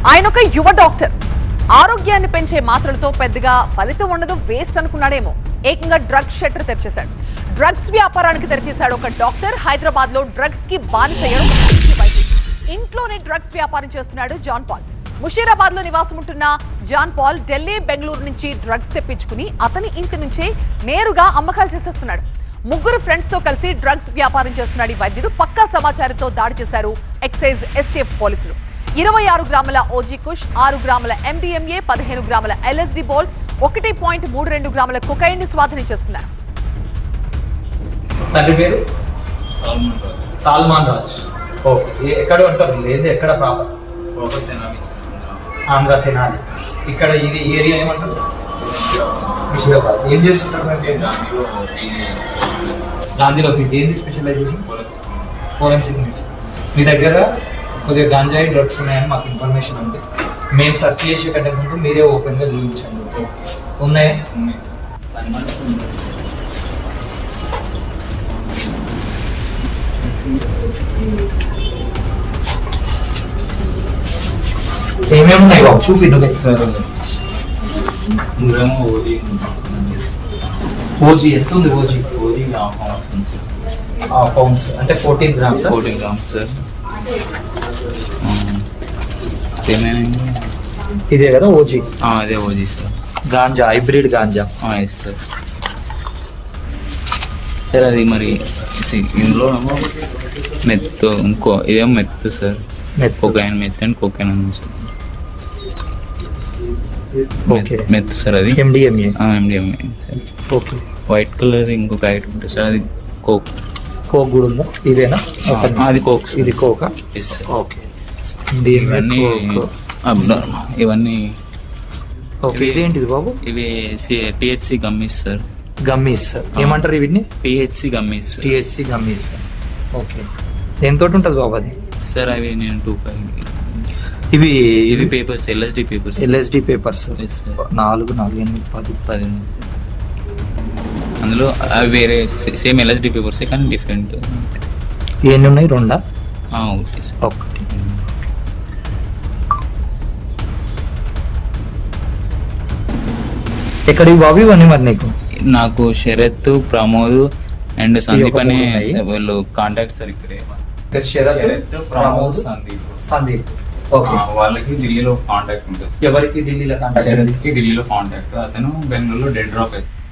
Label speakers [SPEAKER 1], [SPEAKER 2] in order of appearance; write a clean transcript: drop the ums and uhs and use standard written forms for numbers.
[SPEAKER 1] ఆయన ఒక యువ డాక్టర్. ఆరోగ్యాన్ని పెంచే మాత్రలతో పెద్దగా ఫలితం ఉండదు, వేస్ట్ అనుకున్నాడేమో. ఏకంగా డ్రగ్స్ షట్టర్ తెరిచేశాడు. డ్రగ్స్ వ్యాపారానికి తెరిచేశాడు ఒక డాక్టర్. హైదరాబాద్ లో డ్రగ్స్ కి బానిసయ్యాడు. ఇంట్లోనే డ్రగ్స్ వ్యాపారం చేస్తున్నాడు జాన్ పాల్. ముషీరాబాద్ లో నివాసం ఉంటున్న జాన్ పాల్ ఢిల్లీ, బెంగళూరు నుంచి డ్రగ్స్ తెప్పించుకుని అతని ఇంటి నుంచే నేరుగా అమ్మకాలు చేసేస్తున్నాడు. ముగ్గురు ఫ్రెండ్స్ తో కలిసి డ్రగ్స్ వ్యాపారం చేస్తున్నాడు ఈ వైద్యుడు. పక్కా సమాచారంతో దాడి చేశారు ఎక్సైజ్ ఎస్టీఎఫ్ పోలీసులు. 26 గ్రాముల ఓజీ కుష్, 6 గ్రాముల ఎండిఎంఏ, 15 గ్రాముల ఎల్ఎస్డి బోల్, 1.32 గ్రాముల కొకైన్ ని స్వాధీనం చేసుకున్నారు.
[SPEAKER 2] తండ్రి పేరు సాల్మాన్ రాజ్. ఓకే, ఎక్కడ ఉంటారు? లేదు, ఎక్కడ ప్రాపర్? ఆంధ్ర తెనాలి. ఇక్కడ ఇది ఏరియా ఏమంటారు? ముషీరాబాద్. ఏం చేస్తుంటారు? గాంధీలో ఏంది స్పెషలైజేషన్? Forensic medicine. మీ దగ్గర కొద్దిగా గాంజాయి డ్రగ్స్ ఉన్నాయని మాకు ఇన్ఫర్మేషన్ ఉంది. మేము సెర్చ్ చేసే కంటే ముందు మీరే ఓపెన్ గా చూపించండి. ఉన్నాయా? ఏమేమి ఉన్నాయి బాబు? చూపించండి సార్. ఓజీ ఎంత ఉంది? ఓజీ హాఫ్ పౌండ్స్ అంటే 14 గ్రామ్స్.
[SPEAKER 3] 14 grams sir.
[SPEAKER 2] ఇదే కదా ఓజీ?
[SPEAKER 3] అదే OG sir.
[SPEAKER 2] Ganja, hybrid ganja.
[SPEAKER 3] Yes sir. Sir అది మరి ఇందులో మెత్తు, ఇంకో ఇదేమో meth sir. Cocaine, meth and cocaine ఉంది సార్. Meth sir. అది
[SPEAKER 2] MDMA.
[SPEAKER 3] MDMA sir.
[SPEAKER 2] Okay.
[SPEAKER 3] White colour ఇంకొక ఐటమ్ ఉంటుంది సార్, అది కోక్.
[SPEAKER 2] కోక్ కూడా ఉందా? ఇదేనా?
[SPEAKER 3] అది కోక్.
[SPEAKER 2] ఇది కోకా?
[SPEAKER 3] Yes sir.
[SPEAKER 2] ఓకే.
[SPEAKER 3] ఇవన్నీ ఇవన్నీ.
[SPEAKER 2] ఓకే, ఇదేంటిది బాబు?
[SPEAKER 3] ఇవి టిహెచ్సి గమ్మీస్ సార్.
[SPEAKER 2] గమ్మీస్ ఏమంటారు వీటిని?
[SPEAKER 3] THC gummies.
[SPEAKER 2] THC gummies. Okay, దేనితో ఉంటుంది బాబు అది?
[SPEAKER 3] సార్ అవి నేను 2
[SPEAKER 2] ఇవి
[SPEAKER 3] ఇవి papers, LSD papers.
[SPEAKER 2] LSD papers 4, 4, 8, 10.
[SPEAKER 3] అందులో అవి వేరే సేమ్ ఎల్ఎస్డి పేపర్స్ కానీ డిఫరెంట్.
[SPEAKER 2] ఎన్ని ఉన్నాయి? 2?
[SPEAKER 3] Okay sir.
[SPEAKER 2] ఒకటి. ఎక్కడికి బాబు ఇవన్నీ మరి నీకు?
[SPEAKER 3] నాకు శరత్, ప్రమోద్ అండ్ సందీప్ అనే వాళ్ళు కాంటాక్ట్ సార్. ఇక్కడే
[SPEAKER 2] శరత్, ప్రమోద్, సందీప్. ఓకే.
[SPEAKER 3] వాళ్ళకి ఢిల్లీలో కాంటాక్ట్ ఉంటుంది.
[SPEAKER 2] ఎవరికి ఢిల్లీలో కాంటాక్ట్?
[SPEAKER 3] ఢిల్లీలో కాంటాక్ట్. అతను బెంగళూరులో డెడ్ డ్రాప్ వేస్తాడు.